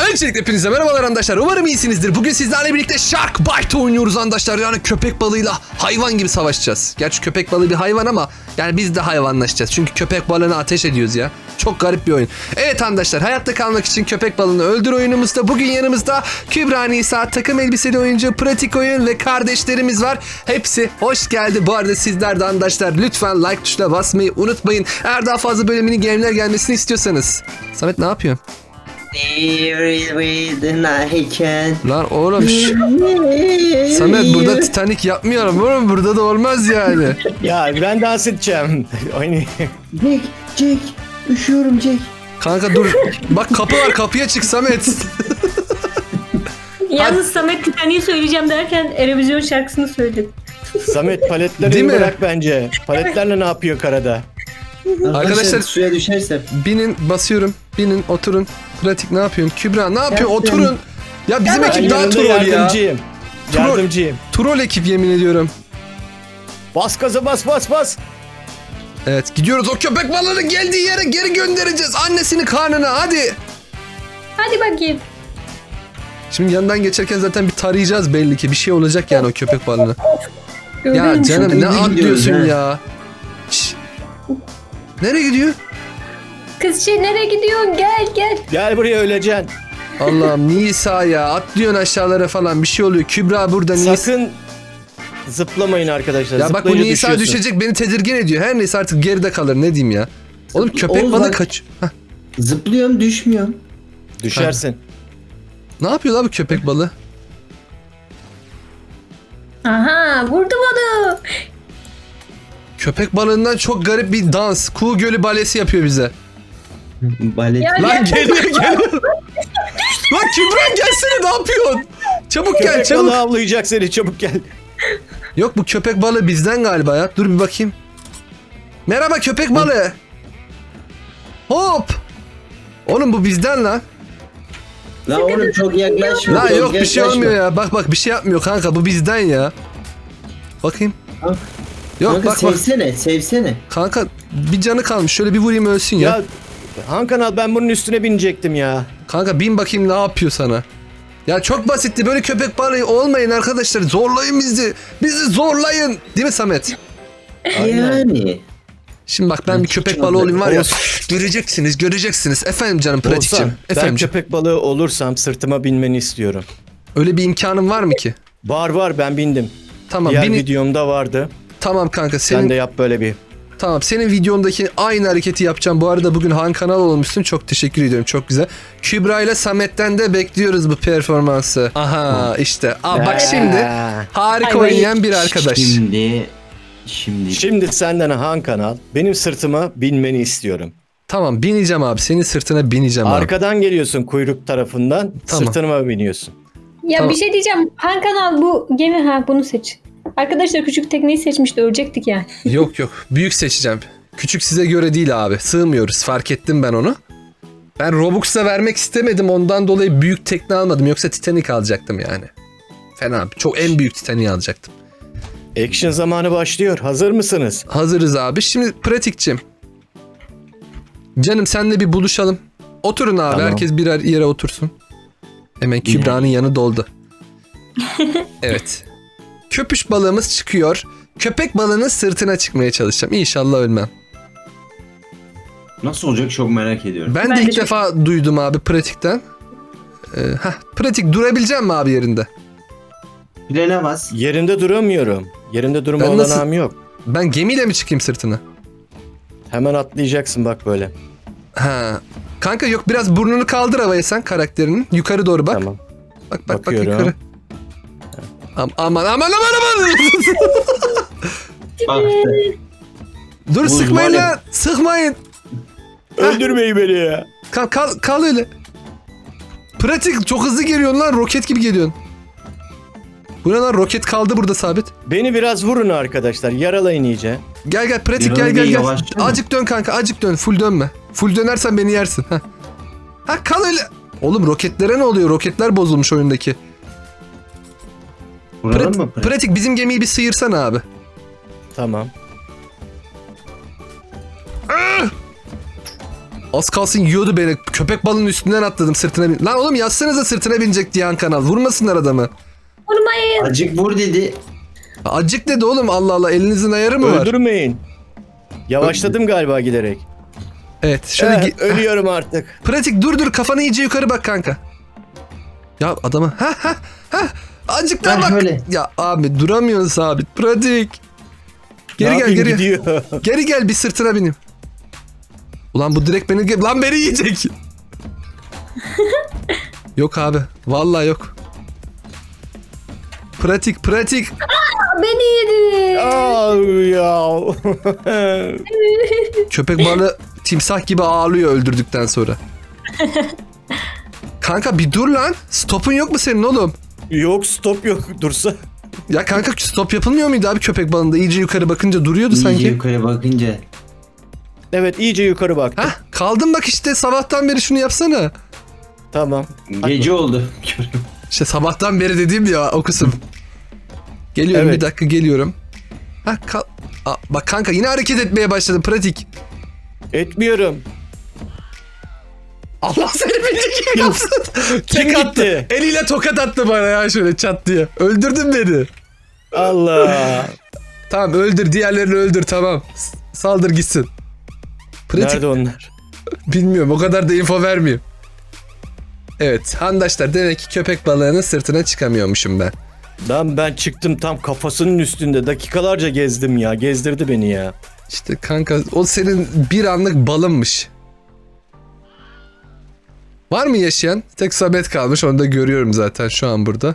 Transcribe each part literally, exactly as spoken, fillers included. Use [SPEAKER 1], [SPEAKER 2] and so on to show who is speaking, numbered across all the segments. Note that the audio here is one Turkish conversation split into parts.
[SPEAKER 1] Öncelikle hepinize merhabalar arkadaşlar. Umarım iyisinizdir. Bugün sizlerle birlikte Shark Bite oynuyoruz arkadaşlar. Yani köpek balığıyla hayvan gibi savaşacağız. Gerçi köpek balığı bir hayvan ama yani biz de hayvanlaşacağız. Çünkü köpek balığına ateş ediyoruz ya. Çok garip bir oyun. Evet arkadaşlar, hayatta kalmak için köpek balığını öldür oyunumuzda. Bugün yanımızda Kübra Nisa, takım elbiseli oyuncu, pratik oyun ve kardeşlerimiz var. Hepsi hoş geldi. Bu arada sizler de arkadaşlar lütfen like tuşuna basmayı unutmayın. Eğer daha fazla böyle mini game'ler gelmesini istiyorsanız. Samet ne yapıyorsun? Lan oğlum şş. Samet burada Titanic yapmıyorum oğlum, burada da olmaz yani.
[SPEAKER 2] Ya ben dans edeceğim. Oynayayım.
[SPEAKER 3] Jack, Jack. Üşüyorum Jack.
[SPEAKER 1] Kanka dur. Bak kapı var, kapıya çık Samet.
[SPEAKER 4] Yalnız Samet Titanic'i söyleyeceğim derken Erevizyon şarkısını söyledi.
[SPEAKER 2] Samet paletleri
[SPEAKER 1] Değil mi?
[SPEAKER 2] bırak bence. Paletlerle ne yapıyor karada?
[SPEAKER 1] Arkadaşlar
[SPEAKER 3] suya düşerse.
[SPEAKER 1] binin, basıyorum. Binin, oturun. Pratik ne yapıyorsun? Kübra ne yapıyorsun?
[SPEAKER 3] Yaptım.
[SPEAKER 1] Oturun. Ya bizim
[SPEAKER 3] Ben
[SPEAKER 1] ekip
[SPEAKER 2] Ben
[SPEAKER 1] daha
[SPEAKER 2] yanında
[SPEAKER 1] troll ya.
[SPEAKER 2] yardımcıyım.
[SPEAKER 1] Troll.
[SPEAKER 2] Yardımcıyım.
[SPEAKER 1] Troll ekip, yemin ediyorum.
[SPEAKER 2] Bas gaza bas bas bas.
[SPEAKER 1] Evet, gidiyoruz. O köpek balığının geldiği yere geri göndereceğiz. Annesinin karnına, hadi.
[SPEAKER 4] Hadi bakayım.
[SPEAKER 1] Şimdi yanından geçerken zaten bir tarayacağız belli ki. Bir şey olacak yani o köpek balığına. Ya
[SPEAKER 4] Gördün mü?
[SPEAKER 1] canım
[SPEAKER 3] Çok
[SPEAKER 1] ne
[SPEAKER 3] hızlı
[SPEAKER 1] atlıyorsun
[SPEAKER 3] gidiyoruz,
[SPEAKER 1] ya. Şş. Nereye gidiyor?
[SPEAKER 4] Kız şey nereye gidiyorsun? Gel gel.
[SPEAKER 2] Gel buraya öleceksin.
[SPEAKER 1] Allah'ım Nisa ya, atlıyorsun aşağılara falan, bir şey oluyor. Kübra burada, Nisa.
[SPEAKER 2] Sakın zıplamayın arkadaşlar.
[SPEAKER 1] Ya bak bu
[SPEAKER 2] Zıplayınca
[SPEAKER 1] Nisa
[SPEAKER 2] düşüyorsun.
[SPEAKER 1] düşecek, beni tedirgin ediyor. Her neyse artık geride kalır, ne diyeyim ya. Oğlum köpek
[SPEAKER 3] Oğuz
[SPEAKER 1] balığı
[SPEAKER 3] bak.
[SPEAKER 1] kaç. Heh.
[SPEAKER 3] Zıplıyorum, düşmüyorum.
[SPEAKER 2] Düşersin.
[SPEAKER 1] Ne yapıyor la bu köpek balığı?
[SPEAKER 4] Aha vurdu bana.
[SPEAKER 1] Köpek balığından çok garip bir dans. Kuğu Gölü balesi yapıyor bize.
[SPEAKER 3] Balet.
[SPEAKER 4] Ya,
[SPEAKER 1] Lan geliyor geliyor. Lan Kübra gelsene, ne yapıyorsun? Çabuk gel
[SPEAKER 2] Köpek
[SPEAKER 1] çabuk.
[SPEAKER 2] balığı avlayacak seni, çabuk gel.
[SPEAKER 1] Yok bu köpek balığı bizden galiba ya. Dur bir bakayım. Merhaba köpek balığı. Hop. Oğlum bu bizden lan.
[SPEAKER 3] La oğlum çok yaklaşma.
[SPEAKER 1] La
[SPEAKER 3] çok
[SPEAKER 1] yok bir şey
[SPEAKER 3] yaklaşma.
[SPEAKER 1] olmuyor ya. Bak bak bir şey yapmıyor kanka, bu bizden ya. Bakayım.
[SPEAKER 3] Kanka,
[SPEAKER 1] Yok
[SPEAKER 3] kanka
[SPEAKER 1] bak bak.
[SPEAKER 3] sevsene, sevsene.
[SPEAKER 1] Kanka bir canı kalmış. Şöyle bir vurayım ölsün ya.
[SPEAKER 2] Ya Hakan al, ben bunun üstüne binecektim ya.
[SPEAKER 1] Kanka bin bakayım ne yapıyor sana. Ya çok basitti. Böyle köpek balığı olmayın arkadaşlar. Zorlayın bizi. Bizi zorlayın. Değil mi Samet?
[SPEAKER 3] Yani.
[SPEAKER 1] Şimdi bak ben
[SPEAKER 3] Ben
[SPEAKER 1] bir köpek
[SPEAKER 3] çıkacağım
[SPEAKER 1] balığı olayım var ya.
[SPEAKER 2] Olsun.
[SPEAKER 1] Göreceksiniz, göreceksiniz. Efendim canım pratikçim.
[SPEAKER 2] Olsan, ben
[SPEAKER 1] Efendim.
[SPEAKER 2] köpek balığı olursam sırtıma binmeni istiyorum.
[SPEAKER 1] Öyle bir imkanın var mı ki?
[SPEAKER 2] Var var, ben bindim.
[SPEAKER 1] Tamam.
[SPEAKER 2] Diğer
[SPEAKER 1] Beni...
[SPEAKER 2] videomda vardı.
[SPEAKER 1] Tamam kanka senin
[SPEAKER 2] Sen de yap böyle bir.
[SPEAKER 1] tamam senin videondaki aynı hareketi yapacağım. Bu arada bugün Han kanal olmuşsun. Çok teşekkür ediyorum. Çok güzel. Kübra ile Samet'ten de bekliyoruz bu performansı. Aha işte. Aa bak şimdi
[SPEAKER 2] Ee,
[SPEAKER 1] harika
[SPEAKER 4] Ay,
[SPEAKER 1] oynayan bir arkadaş.
[SPEAKER 3] Şimdi. Şimdi.
[SPEAKER 2] Şimdi senden Han kanal, benim sırtıma binmeni istiyorum.
[SPEAKER 1] Tamam bineceğim abi. Senin sırtına bineceğim abi.
[SPEAKER 2] Arkadan geliyorsun kuyruk tarafından,
[SPEAKER 1] Tamam.
[SPEAKER 2] sırtıma biniyorsun.
[SPEAKER 4] Ya
[SPEAKER 1] Tamam.
[SPEAKER 4] bir şey diyeceğim. Han kanal bu gemi, ha bunu seç. Arkadaşlar küçük tekneyi seçmişti, ölecektik yani.
[SPEAKER 1] Yok yok. Büyük seçeceğim. Küçük size göre değil abi. Sığmıyoruz. Fark ettim ben onu. Ben Robux'a vermek istemedim. Ondan dolayı büyük tekne almadım. Yoksa Titanic alacaktım yani. Fena. Çok en büyük Titanic'i alacaktım.
[SPEAKER 2] Action zamanı başlıyor. Hazır mısınız?
[SPEAKER 1] Hazırız abi. Şimdi pratikçim. Canım senle bir buluşalım. Oturun abi.
[SPEAKER 2] Tamam.
[SPEAKER 1] Herkes birer yere otursun. Hemen Kübra'nın yanı doldu. Evet. Köpüş balığımız çıkıyor. Köpek balığının sırtına çıkmaya çalışacağım. İnşallah ölmem.
[SPEAKER 3] Nasıl olacak çok merak ediyorum.
[SPEAKER 1] Ben,
[SPEAKER 4] Ben
[SPEAKER 1] de
[SPEAKER 4] de
[SPEAKER 1] ilk
[SPEAKER 4] çok-
[SPEAKER 1] defa duydum abi pratikten. Ee, heh, pratik durabilecek mi abi yerinde?
[SPEAKER 3] Frene bas.
[SPEAKER 2] Yerinde duramıyorum. Yerinde durma
[SPEAKER 1] Ben nasıl-
[SPEAKER 2] olanağım yok.
[SPEAKER 1] Ben gemiyle mi çıkayım sırtına?
[SPEAKER 2] Hemen atlayacaksın bak böyle.
[SPEAKER 1] Ha. Kanka yok, biraz burnunu kaldır havaya sen karakterinin. Yukarı doğru bak.
[SPEAKER 2] Tamam.
[SPEAKER 1] Bak bak
[SPEAKER 2] Bakıyorum.
[SPEAKER 1] bak yukarı. Am- aman aman aman aman.
[SPEAKER 3] Bak.
[SPEAKER 1] Dur
[SPEAKER 3] Buz
[SPEAKER 1] sıkmayın
[SPEAKER 3] var ya.
[SPEAKER 1] lan. Sıkmayın.
[SPEAKER 2] Öldürmeyin beni ya.
[SPEAKER 1] Kal, kal, kal öyle. Pratik çok hızlı geliyorsun lan. Roket gibi geliyorsun. Bu ne lan, roket kaldı burada sabit.
[SPEAKER 2] Beni biraz vurun arkadaşlar. Yaralayın iyice.
[SPEAKER 1] Gel gel pratik
[SPEAKER 3] Biraz
[SPEAKER 1] gel
[SPEAKER 3] bir
[SPEAKER 1] gel gel.
[SPEAKER 3] yavaşça mı?
[SPEAKER 1] Azıcık dön kanka, azıcık dön. Full dönme. Full dönersen beni yersin. Ha. Ha kal öyle. Oğlum roketlere ne oluyor? Roketler bozulmuş oyundaki.
[SPEAKER 3] Vuralım
[SPEAKER 1] Prat-
[SPEAKER 3] mı?
[SPEAKER 1] pratik bizim gemiyi bir sıyırsana abi.
[SPEAKER 2] Tamam.
[SPEAKER 1] Az kalsın yiyordu beni. Köpek balığının üstünden atladım sırtına bin. Lan oğlum yazsanıza sırtına binecek diye Han Kanal. Vurmasınlar adamı.
[SPEAKER 4] Vurmayın.
[SPEAKER 3] Acık vur dedi.
[SPEAKER 1] Acık dedi oğlum, Allah Allah, elinizin ayarı mı var?
[SPEAKER 2] Öldürmeyin. Yavaşladım galiba giderek.
[SPEAKER 1] Evet şöyle
[SPEAKER 2] Eh,
[SPEAKER 1] gi-
[SPEAKER 2] ölüyorum artık.
[SPEAKER 1] pratik dur dur, kafanı iyice yukarı bak kanka. Ya adama ha ha ha azıcık daha
[SPEAKER 3] Ben
[SPEAKER 1] bak.
[SPEAKER 3] şöyle.
[SPEAKER 1] Ya abi duramıyorsun sabit, pratik. Geri
[SPEAKER 2] Ne
[SPEAKER 1] gel
[SPEAKER 2] yapayım,
[SPEAKER 1] geri.
[SPEAKER 2] gidiyor.
[SPEAKER 1] Geri gel, bir sırtına bineyim. Ulan bu direkt beni lan beni yiyecek. Yok abi vallahi yok. Pratik pratik.
[SPEAKER 4] Beni yedi.
[SPEAKER 2] Aa, ya.
[SPEAKER 1] Köpek balığı timsah gibi ağlıyor öldürdükten sonra. Kanka bir dur lan. Stopun yok mu senin oğlum?
[SPEAKER 2] Yok, stop yok, dursa.
[SPEAKER 1] Ya kanka stop yapılmıyor muydu abi köpek balığında? İyice yukarı bakınca duruyordu
[SPEAKER 3] İyice
[SPEAKER 1] sanki.
[SPEAKER 3] yukarı bakınca.
[SPEAKER 2] Evet, iyice yukarı bak.
[SPEAKER 1] Hah kaldın bak işte, sabahtan beri şunu yapsana.
[SPEAKER 2] Tamam.
[SPEAKER 3] Gece oldu.
[SPEAKER 1] İşte sabahtan beri dediğim ya o kısım. Geliyorum
[SPEAKER 2] Evet.
[SPEAKER 1] bir dakika geliyorum. Hah kal. Aa, bak kanka yine hareket etmeye başladı, pratik.
[SPEAKER 2] Etmiyorum.
[SPEAKER 1] Allah seni bildiği gibi yapsın.
[SPEAKER 2] Kim
[SPEAKER 1] Tek attı.
[SPEAKER 2] gitti?
[SPEAKER 1] Eliyle tokat attı bana ya şöyle çat diye. Öldürdün beni.
[SPEAKER 2] Allah.
[SPEAKER 1] Tamam öldür, diğerlerini öldür, tamam. S- Saldır gitsin. Pratik.
[SPEAKER 2] Nerede onlar?
[SPEAKER 1] Bilmiyorum, o kadar da info vermeyeyim. Evet handaşlar, demek ki köpek balığının sırtına çıkamıyormuşum ben.
[SPEAKER 2] Lan ben çıktım, tam kafasının üstünde dakikalarca gezdim ya. Gezdirdi beni ya.
[SPEAKER 1] İşte kanka o senin bir anlık balınmış. Var mı yaşayan? Tek Samet kalmış, onu da görüyorum zaten şu an burada.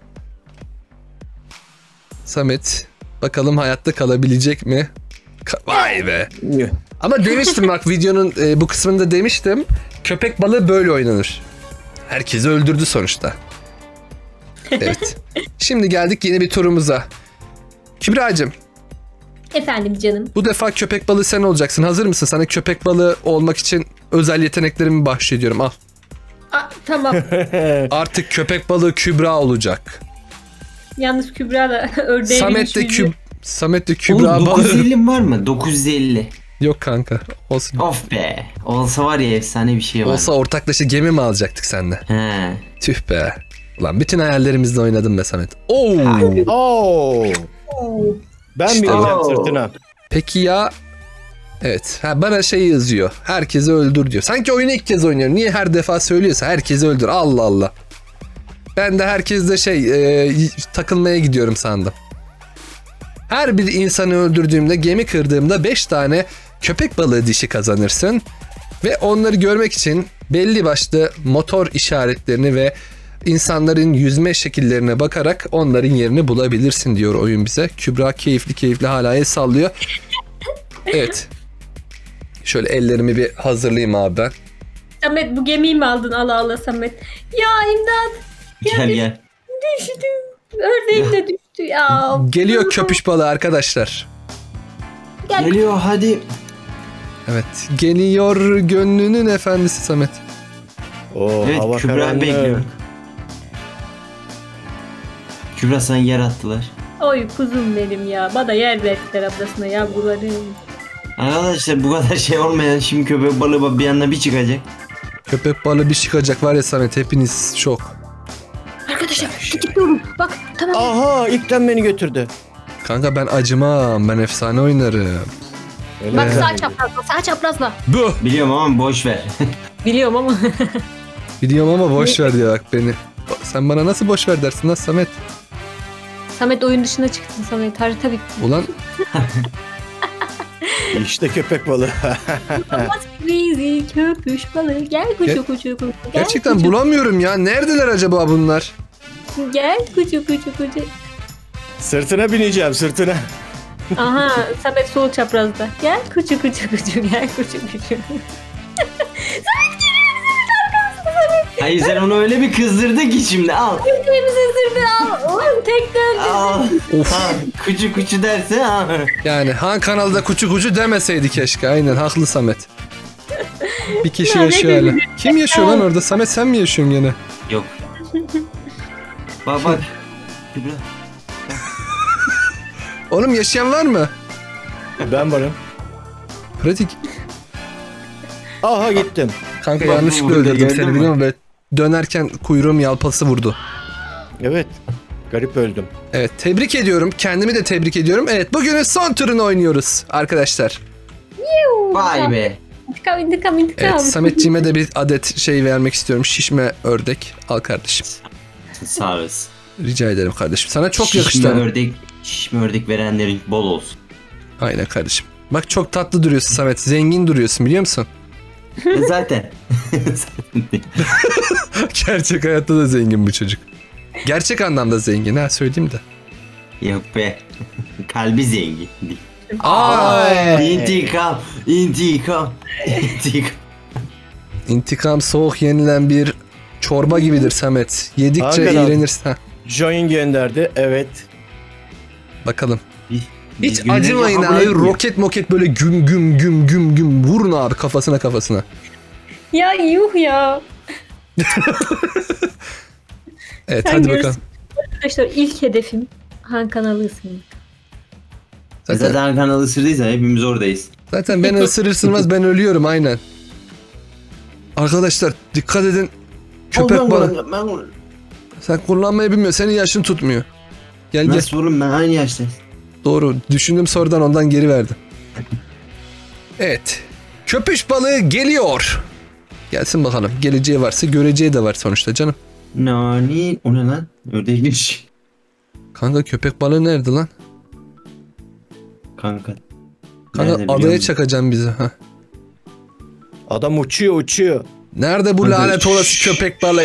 [SPEAKER 1] Samet bakalım hayatta kalabilecek mi? Ka- Vay be. Ama demiştim bak videonun e, bu kısmında demiştim. Köpek balığı böyle oynanır. Herkesi öldürdü sonuçta. Evet. Şimdi geldik yeni bir turumuza. Kübra'cığım
[SPEAKER 4] Efendim canım.
[SPEAKER 1] bu defa köpek balığı sen olacaksın. Hazır mısın? Sana köpek balığı olmak için özel yeteneklerimi bahşediyorum. Al.
[SPEAKER 4] Aa, tamam.
[SPEAKER 1] Artık köpek balığı Kübra olacak.
[SPEAKER 4] Yalnız Kübra da ördeğe
[SPEAKER 1] Samet de
[SPEAKER 4] binmiş
[SPEAKER 1] Küb
[SPEAKER 4] yüzü.
[SPEAKER 1] Samet de
[SPEAKER 3] Oğlum
[SPEAKER 1] Kübra
[SPEAKER 3] dokuz yüz
[SPEAKER 1] balığı.
[SPEAKER 3] elli var mı? dokuz yüz elli.
[SPEAKER 1] Yok kanka. Olsun.
[SPEAKER 3] Of be. Olsa var ya efsane bir şey var.
[SPEAKER 1] Olsa ortaklaşa gemi mi alacaktık seninle?
[SPEAKER 3] He.
[SPEAKER 1] Tüh be. Ulan bütün hayallerimizle oynadım be Samet. Oo.
[SPEAKER 2] Oo. Ben
[SPEAKER 1] İşte
[SPEAKER 2] bineceğim
[SPEAKER 3] bu.
[SPEAKER 2] sırtına.
[SPEAKER 1] Peki ya. Evet. Ha, bana şey yazıyor. Herkesi öldür diyor. Sanki oyunu ilk kez oynuyorum. Niye her defa söylüyorsa herkesi öldür. Allah Allah. Ben de herkesle şey e, takılmaya gidiyorum sandım. Her bir insanı öldürdüğümde, gemi kırdığımda beş tane köpek balığı dişi kazanırsın. Ve onları görmek için belli başlı motor işaretlerini ve insanların yüzme şekillerine bakarak onların yerini bulabilirsin diyor oyun bize. Kübra keyifli keyifli hala el sallıyor. Evet. Şöyle ellerimi bir hazırlayayım abi ben.
[SPEAKER 4] Samet bu gemiyi mi aldın? Allah Allah Samet. Ya imdat.
[SPEAKER 3] Gel gel.
[SPEAKER 4] Düştüm. Ördeğim de düştü ya.
[SPEAKER 1] Geliyor köpüş balığı arkadaşlar.
[SPEAKER 4] Gel.
[SPEAKER 3] Geliyor hadi.
[SPEAKER 1] Evet. Geliyor gönlünün efendisi Samet.
[SPEAKER 2] Oo,
[SPEAKER 3] Evet
[SPEAKER 2] hava
[SPEAKER 3] Kübra
[SPEAKER 2] karanlık.
[SPEAKER 3] bekliyor. Kübra sana yer attılar.
[SPEAKER 4] Oy kuzum benim ya. Bana yer verdiler ablasına yavrularım.
[SPEAKER 3] Arkadaşlar bu kadar şey olmayan şimdi köpek balığı bak bir anda bir çıkacak.
[SPEAKER 1] Köpek balığı bir çıkacak var ya Samet, hepiniz şok.
[SPEAKER 4] Arkadaşlar gidiyorum. Bak tamam.
[SPEAKER 2] Aha, ilkten beni götürdü.
[SPEAKER 1] Kanka ben acımam, ben efsane oynarım.
[SPEAKER 2] Öyle
[SPEAKER 4] Bak
[SPEAKER 2] mi?
[SPEAKER 4] sağ çaprazla sağ çaprazla.
[SPEAKER 1] Bu.
[SPEAKER 3] Biliyorum ama boş ver.
[SPEAKER 4] Biliyorum ama.
[SPEAKER 1] Biliyorum ama boş ver diyor bak beni. Sen bana nasıl boş ver dersin lan Samet?
[SPEAKER 4] Samet oyun dışına çıktın Samet. Harita bitti.
[SPEAKER 1] Ulan
[SPEAKER 2] İşte köpek balığı.
[SPEAKER 4] Olmaz crazy köpüş balığı. Gel kuçu
[SPEAKER 1] Ger-
[SPEAKER 4] kuçu kuçu. Gel
[SPEAKER 1] gerçekten
[SPEAKER 4] kuçu,
[SPEAKER 1] bulamıyorum ya. Neredeler acaba bunlar?
[SPEAKER 4] Gel kuçu kuçu kuçu.
[SPEAKER 2] Sırtına bineceğim, sırtına.
[SPEAKER 4] Aha Samet sol çaprazda. Gel kuçu kuçu kuçu. Gel kuçu kuçu.
[SPEAKER 3] Hayır sen onu öyle bir kızdırdı ki şimdi al.
[SPEAKER 4] Birbirimizi sırtı al. Ulan tek döndü.
[SPEAKER 3] Al.
[SPEAKER 1] Of.
[SPEAKER 3] Ha, kuçu kuçu derse ha.
[SPEAKER 1] Yani Han kanalda kuçu kuçu demeseydi keşke. Aynen haklı Samet. Bir kişi
[SPEAKER 4] Ya ne
[SPEAKER 1] yaşıyor hala.
[SPEAKER 4] dedim?
[SPEAKER 1] Kim yaşıyor lan orada? Samet sen mi yaşıyorsun gene?
[SPEAKER 3] Yok. Bak bak. Kübra.
[SPEAKER 1] Oğlum yaşayan var mı?
[SPEAKER 2] Ben varım.
[SPEAKER 1] Pratik.
[SPEAKER 2] Aha gittim.
[SPEAKER 1] Kanka
[SPEAKER 3] Bak,
[SPEAKER 1] yanlışlıkla
[SPEAKER 3] burada
[SPEAKER 1] öldürdüm
[SPEAKER 3] gördün
[SPEAKER 1] seni
[SPEAKER 3] mü?
[SPEAKER 1] biliyor musun? Böyle dönerken kuyruğum yalpası vurdu.
[SPEAKER 2] Evet. Garip öldüm.
[SPEAKER 1] Evet tebrik ediyorum. Kendimi de tebrik ediyorum. Evet bugünün son turunu oynuyoruz arkadaşlar.
[SPEAKER 3] Vay be.
[SPEAKER 4] İntikam intikam intikam.
[SPEAKER 1] Evet Sametciğime de bir adet şey vermek istiyorum. Şişme ördek. Al kardeşim.
[SPEAKER 3] Sağ olasın.
[SPEAKER 1] Rica ederim kardeşim. Sana çok
[SPEAKER 3] Şişme
[SPEAKER 1] yakıştı.
[SPEAKER 3] ördek, şişme ördek verenlerin bol olsun.
[SPEAKER 1] Aynen kardeşim. Bak çok tatlı duruyorsun Samet. Zengin duruyorsun biliyor musun?
[SPEAKER 3] E Zaten. Zaten değil.
[SPEAKER 1] Gerçek hayatta da zengin bu çocuk. Gerçek anlamda zengin ha söyleyeyim de.
[SPEAKER 3] Yok be. Kalbi zengin.
[SPEAKER 1] Ay.
[SPEAKER 3] İntikam, intikam, intikam.
[SPEAKER 1] İntikam soğuk yenilen bir çorba gibidir Samet. Yedikçe
[SPEAKER 2] Hakikaten.
[SPEAKER 1] iğrenirsin. Ha,
[SPEAKER 2] Join gönderdi. Evet.
[SPEAKER 1] bakalım.
[SPEAKER 3] Biz-
[SPEAKER 1] Hiç
[SPEAKER 3] biz günlerce
[SPEAKER 1] acımayın
[SPEAKER 3] kabul
[SPEAKER 1] abi.
[SPEAKER 3] etmiyor.
[SPEAKER 1] Roket moket böyle güm güm güm güm güm. Vurun abi kafasına kafasına.
[SPEAKER 4] Ya yuh ya.
[SPEAKER 1] Evet
[SPEAKER 4] Sen
[SPEAKER 1] hadi
[SPEAKER 4] görürsün.
[SPEAKER 1] bakalım.
[SPEAKER 4] Arkadaşlar ilk hedefim Han kanalı ısınmak.
[SPEAKER 1] Zaten,
[SPEAKER 3] Zaten kanalı ısırdıysa hepimiz oradayız.
[SPEAKER 1] zaten beni ısırır ısırmaz ben ölüyorum aynen. Arkadaşlar dikkat edin. Köpek
[SPEAKER 3] Oğlum,
[SPEAKER 1] balığı.
[SPEAKER 3] ben- ben-
[SPEAKER 1] Sen kullanmayı bilmiyorsun. Senin yaşın tutmuyor. Gel gel.
[SPEAKER 3] Nasıl oğlum, ben aynı yaştayım.
[SPEAKER 1] Doğru. Düşündüm sorudan ondan geri verdim. Evet. Köpüş balığı geliyor. Gelsin bakalım. Geleceği varsa göreceği de var sonuçta canım.
[SPEAKER 3] Nani? O ne lan? Ördekmiş.
[SPEAKER 1] Kanka köpek balığı nerede lan?
[SPEAKER 3] Kanka.
[SPEAKER 1] Kanka
[SPEAKER 3] Nerede biliyor
[SPEAKER 1] adaya
[SPEAKER 3] musun?
[SPEAKER 1] çakacağım bizi. Ha.
[SPEAKER 2] Adam uçuyor uçuyor.
[SPEAKER 1] Nerede bu
[SPEAKER 3] Kanka,
[SPEAKER 1] lanet olası
[SPEAKER 3] şşş.
[SPEAKER 1] köpek balığı?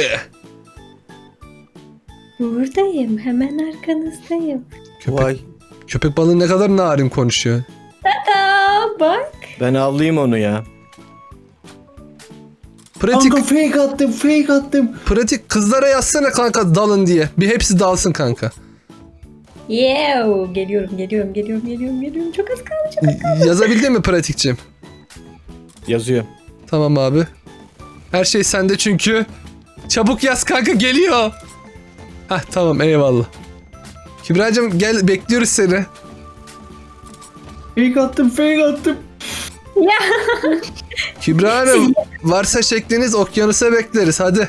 [SPEAKER 4] Buradayım. Hemen arkanızdayım.
[SPEAKER 1] Köpek,
[SPEAKER 2] Vay.
[SPEAKER 1] köpek balığı ne kadar narin konuşuyor.
[SPEAKER 4] Aa bak.
[SPEAKER 2] Ben avlayayım onu ya.
[SPEAKER 1] Pratik,
[SPEAKER 3] Kanka fake attım, fake attım.
[SPEAKER 1] pratik kızlara yazsana kanka dalın diye. Bir hepsi dalsın kanka.
[SPEAKER 4] Yeah. Geliyorum geliyorum geliyorum geliyorum geliyorum. Çok az kaldı. Çok...
[SPEAKER 1] Yazabildin mi pratikçim?
[SPEAKER 2] Yazıyor.
[SPEAKER 1] Tamam abi. Her şey sende çünkü. Çabuk yaz kanka geliyor. Hah tamam eyvallah. Kübra'cığım gel bekliyoruz seni.
[SPEAKER 3] Fake attım, fake attım.
[SPEAKER 1] Kübra Hanım varsa şekliniz okyanusa bekleriz hadi.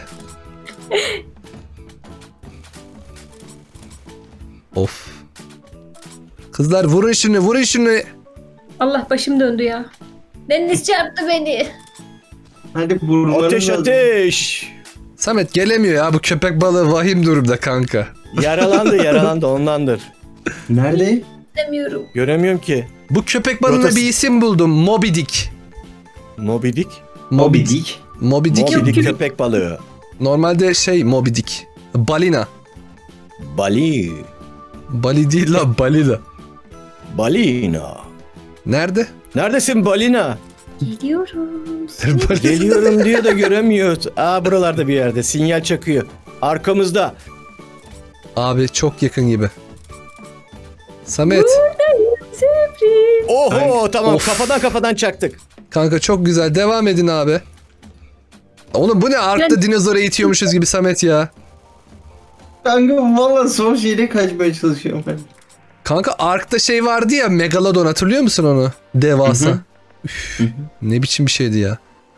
[SPEAKER 1] Of. Kızlar vurun şunu vurun şunu.
[SPEAKER 4] Allah başım döndü ya. Deniz çarptı beni.
[SPEAKER 3] Hadi vurmalarım
[SPEAKER 2] Ateş
[SPEAKER 3] lazım.
[SPEAKER 2] ateş.
[SPEAKER 1] Samet gelemiyor ya bu köpek balığı vahim durumda kanka.
[SPEAKER 2] Yaralandı yaralandı ondandır.
[SPEAKER 3] Nerede?
[SPEAKER 4] İstemiyorum.
[SPEAKER 2] Göremiyorum ki.
[SPEAKER 1] Bu köpek balığına
[SPEAKER 2] Rotası-
[SPEAKER 1] bir isim buldum. Moby Dick.
[SPEAKER 2] Moby Dick.
[SPEAKER 3] Moby Dick.
[SPEAKER 1] Moby Dick.
[SPEAKER 2] Moby Dick
[SPEAKER 4] Yok.
[SPEAKER 2] köpek balığı.
[SPEAKER 1] Normalde şey Moby Dick. Balina.
[SPEAKER 2] Bali.
[SPEAKER 1] Bali değil la balina.
[SPEAKER 2] Balina.
[SPEAKER 1] Nerede?
[SPEAKER 2] Neredesin balina?
[SPEAKER 4] Geliyorum.
[SPEAKER 1] Balina.
[SPEAKER 2] Geliyorum diyor da göremiyoruz. Aa buralarda bir yerde sinyal çakıyor. Arkamızda.
[SPEAKER 1] Abi çok yakın gibi. Samet.
[SPEAKER 4] Sürpriz.
[SPEAKER 2] Oho tamam
[SPEAKER 1] Of.
[SPEAKER 2] kafadan kafadan çaktık.
[SPEAKER 1] Kanka çok güzel. Devam edin abi. Oğlum bu ne? Ark'ta
[SPEAKER 4] Ben-
[SPEAKER 1] dinozora itiyormuşuz gibi Samet ya.
[SPEAKER 3] Kanka valla son şeyde kaçmaya çalışıyorum ben.
[SPEAKER 1] Kanka Ark'ta şey vardı ya Megalodon hatırlıyor musun onu? Devasa.
[SPEAKER 3] Hı hı.
[SPEAKER 1] Üf, ne biçim bir şeydi ya.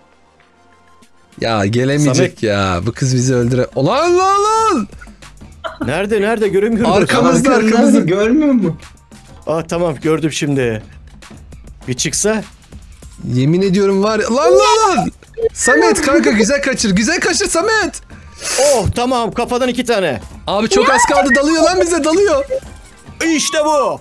[SPEAKER 1] Ya gelemeyecek
[SPEAKER 2] Samet.
[SPEAKER 1] ya. Bu kız bizi öldüre... Ulan lan lan!
[SPEAKER 2] Nerede nerede göremiyorum.
[SPEAKER 1] Arkamızda,
[SPEAKER 3] Arkamızda,
[SPEAKER 1] arkamızda.
[SPEAKER 3] görmüyor musun?
[SPEAKER 2] Aa tamam gördüm şimdi. Bir çıksa.
[SPEAKER 1] Yemin ediyorum var ya. Lan lan lan! Samet kanka güzel kaçır. Güzel kaçır Samet.
[SPEAKER 2] Oh tamam kafadan iki tane.
[SPEAKER 1] Abi çok az kaldı dalıyor lan bize dalıyor.
[SPEAKER 2] İşte bu.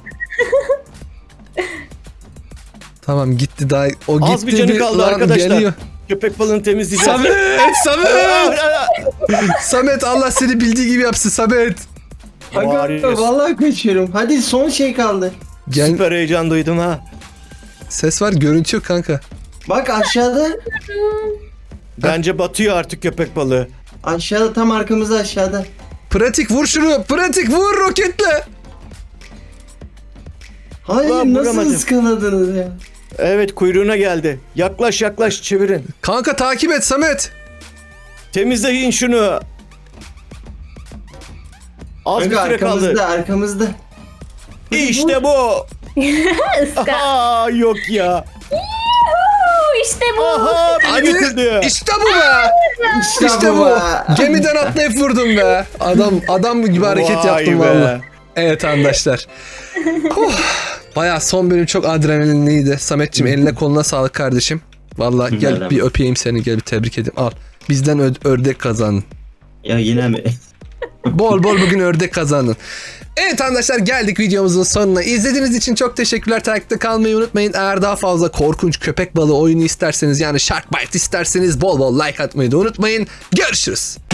[SPEAKER 1] Tamam gitti daha. O gitti
[SPEAKER 2] Az bir canı kaldı
[SPEAKER 1] lan
[SPEAKER 2] arkadaşlar.
[SPEAKER 1] geliyor.
[SPEAKER 2] Köpek balığını temizleyeceğiz.
[SPEAKER 1] Samet! Samet! Samet Allah seni bildiği gibi yapsın Samet.
[SPEAKER 3] Kanka
[SPEAKER 2] Bağırıyorsun.
[SPEAKER 3] vallahi kaçıyorum. Hadi son şey kaldı.
[SPEAKER 1] Gel,
[SPEAKER 2] Süper heyecan duydum ha.
[SPEAKER 1] ses var görüntü yok kanka.
[SPEAKER 3] Bak aşağıda.
[SPEAKER 2] Bence batıyor artık köpek balığı.
[SPEAKER 3] Aşağıda tam arkamızda aşağıda.
[SPEAKER 1] Pratik vur şunu. Pratik vur roketle.
[SPEAKER 3] Hayır
[SPEAKER 2] Ulan
[SPEAKER 3] nasıl
[SPEAKER 2] vuramadım.
[SPEAKER 3] ıskaladınız ya?
[SPEAKER 2] Evet kuyruğuna geldi. Yaklaş yaklaş çevirin.
[SPEAKER 1] Kanka takip et Samet.
[SPEAKER 2] Temizleyin şunu. Az
[SPEAKER 3] Kanka
[SPEAKER 2] bir süre
[SPEAKER 3] arkamızda
[SPEAKER 2] kaldı.
[SPEAKER 3] arkamızda.
[SPEAKER 2] İşte bu.
[SPEAKER 4] Iska.
[SPEAKER 2] Aa, yok ya.
[SPEAKER 4] Oo, İşte bu.
[SPEAKER 2] Aha beni
[SPEAKER 1] Hadi
[SPEAKER 2] götürdü.
[SPEAKER 1] işte bu be.
[SPEAKER 3] İşte,
[SPEAKER 1] İşte
[SPEAKER 3] bu.
[SPEAKER 1] bu.
[SPEAKER 3] be.
[SPEAKER 1] Gemiden atlayıp vurdum be. Adam adam gibi hareket
[SPEAKER 2] Vay
[SPEAKER 1] yaptım
[SPEAKER 2] be.
[SPEAKER 1] valla. Evet arkadaşlar. Huh. Bayağı son bölüm çok adrenalinliydi. Sametçim eline koluna sağlık kardeşim. Valla gel
[SPEAKER 3] Merhaba.
[SPEAKER 1] bir öpeyim seni, gel bir tebrik edeyim. Al. Bizden ö- ördek kazandın.
[SPEAKER 3] Ya yine mi?
[SPEAKER 1] Bol bol bugün ördek kazandın. Evet arkadaşlar, geldik videomuzun sonuna. İzlediğiniz için çok teşekkürler. Takipte kalmayı unutmayın. Eğer daha fazla korkunç köpek balığı oyunu isterseniz, yani Shark Bite isterseniz bol bol like atmayı da unutmayın. Görüşürüz.